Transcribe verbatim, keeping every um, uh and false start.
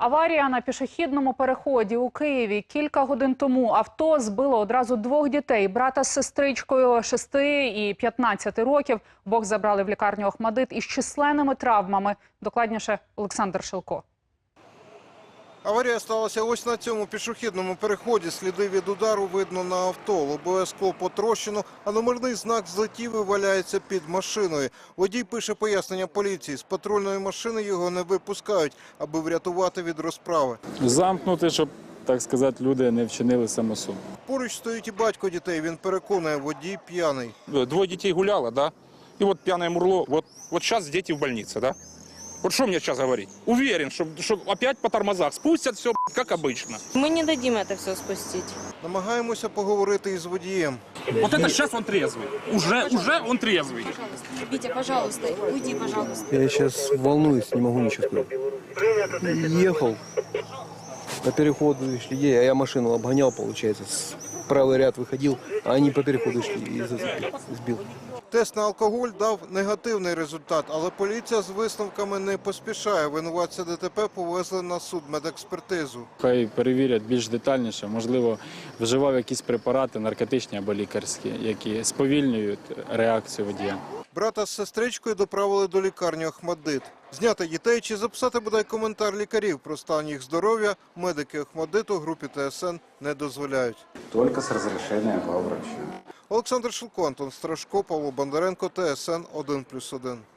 Аварія на пішохідному переході у Києві. Кілька годин тому авто збило одразу двох дітей. Брата з сестричкою шести і п'ятнадцяти років. Обох забрали в лікарню Охмадит із численними травмами. Докладніше Олександр Шилко. Аварія сталася ось на цьому пішохідному переході. Сліди від удару видно на авто. Лобове скло потрощено, а номерний знак злетів і валяється під машиною. Водій пише пояснення поліції. З патрульної машини його не випускають, аби врятувати від розправи. Замкнути, щоб, так сказати, люди не вчинили самосуд. Поруч стоїть і батько дітей. Він переконує, водій п'яний. Двое детей гуляло, да? И вот пьяное мурло. Вот, вот сейчас дети в больнице, да? Вот что мне сейчас говорить? Уверен, что, что опять по тормозах спустят все, как обычно. Мы не дадим это все спустить. Намагаємося поговорити із водієм. Вот это сейчас он трезвый. Уже, уже он трезвый. Витя, пожалуйста, уйди, пожалуйста. Я сейчас волнуюсь, не могу ничего сказать. Ехал по переходу, шли, а я машину обгонял, получается, с правый ряд выходил, а они по переходу шли и сбил. Тест на алкоголь дав негативний результат, але поліція з висновками не поспішає. Винуватця ДТП повезли на судмедекспертизу. Хай перевірять більш детальніше, можливо, вживав якісь препарати, наркотичні або лікарські, які сповільнюють реакцію водія. Брата з сестричкою доправили до лікарні Охмадит. Зняти дітей чи записати бодай коментар лікарів про стан їх здоров'я медики Охмадиту групі ТСН не дозволяють. Только с разрешения главврача. Олександр Шилко, Антон Страшко, Павло Бондаренко, ТСН один плюс один.